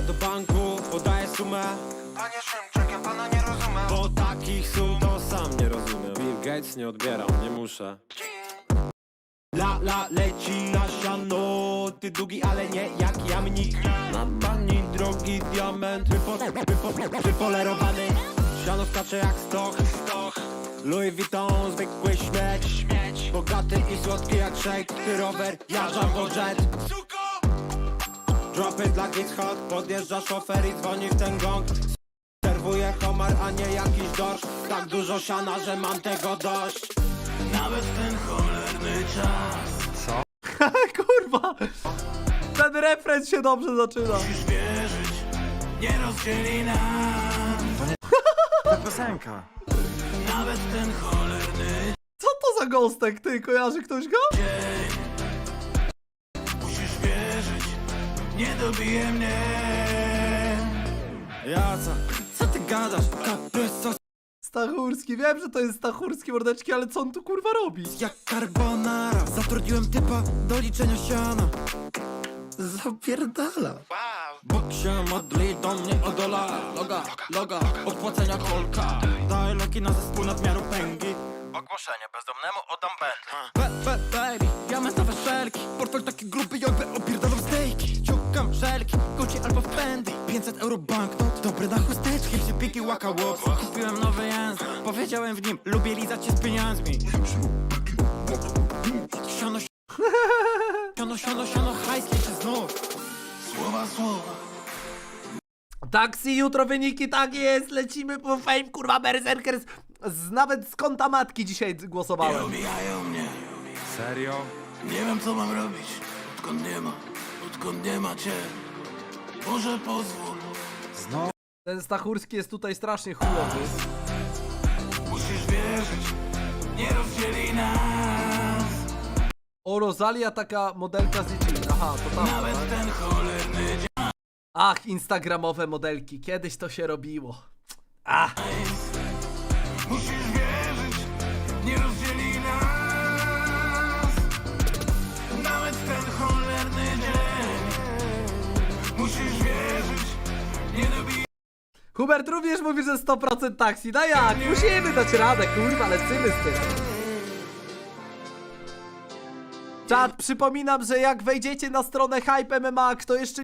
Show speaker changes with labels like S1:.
S1: do banku, podaję sumę.
S2: Panie Szymczak, ja pana nie rozumiem.
S1: Bo takich sum to sam nie rozumiem. Bill Gates nie odbieram, nie muszę. La leci na siano, ty długi, ale nie jak jamnik. Na pani drogi diament, wypolerowany. Siano skacze jak stoch. Louis Vuitton, zwykły śmieć. Bogaty i słodki jak shake. Ty rower, ja Jumbo Jet. Dropy dla Kids Hot, podjeżdża szofer i dzwoni w ten gong. Serwuję homar, a nie jakiś dorsz. Tak dużo siana, że mam tego dość.
S2: Nawet ten cholerny czas.
S3: Kurwa! Ten refren się dobrze zaczyna.
S2: Musisz wierzyć, nie rozdzieli nas.
S4: Ta piosenka.
S2: Nawet ten cholerny
S3: Co to za gostek, ty? Kojarzy ktoś go?
S2: dzień. Musisz wierzyć, nie dobije mnie.
S1: Co ty gadasz? Kapryso
S3: Stachurski, wiem, że to jest Stachurski, mordeczki, ale co on tu kurwa robi?
S1: jak carbonara. Zatrudniłem typa do liczenia siana. Zapierdala.
S2: Wow.
S1: Bóg się modli do mnie o dolara. Loga, odpłacenia kolka. Daj loki na zespół nadmiaru pęgi.
S2: Ogłoszenie, bezdomnemu oddam Bentley.
S1: Baby, diamentowe szelki. Portfel taki gruby, jakby opierdalam stejki. Ciągam szelki, Gucci albo w Fendi. 500 euro banknot, dobre na chusteczki. Piki łaka łops. Kupiłem nowy język, powiedziałem w nim, lubię lizać się z pieniędzmi. Siano, hajs liczy znów.
S2: Słowa.
S3: Taksi, jutro wyniki, tak jest, lecimy po Fame, kurwa, Berserkers. Nawet z kąta matki dzisiaj
S2: Nie
S3: głosowałem.
S2: omijają mnie.
S4: Serio?
S2: Nie wiem co mam robić. Odkąd nie ma cię. Może pozwól.
S4: Znowu?
S3: Ten Stachurski jest tutaj strasznie chujowy.
S2: Musisz wierzyć, nie rozdzieli nas.
S3: O, Rosalia, taka modelka z dzieci. Aha, to tam.
S2: Nawet
S3: Tak?
S2: ten cholerny dzień.
S3: Ach, instagramowe modelki, kiedyś to się robiło. Ach.
S2: Musisz wierzyć, nie rozdzieli nas. Nawet ten cholerny dzień. Musisz wierzyć, nie dobije.
S3: Hubert również mówi, że 100% taksi. No jak? Musimy dać radę, kurwa, lecimy z tym. Czad, przypominam, że jak wejdziecie na stronę Hype MMA, kto jeszcze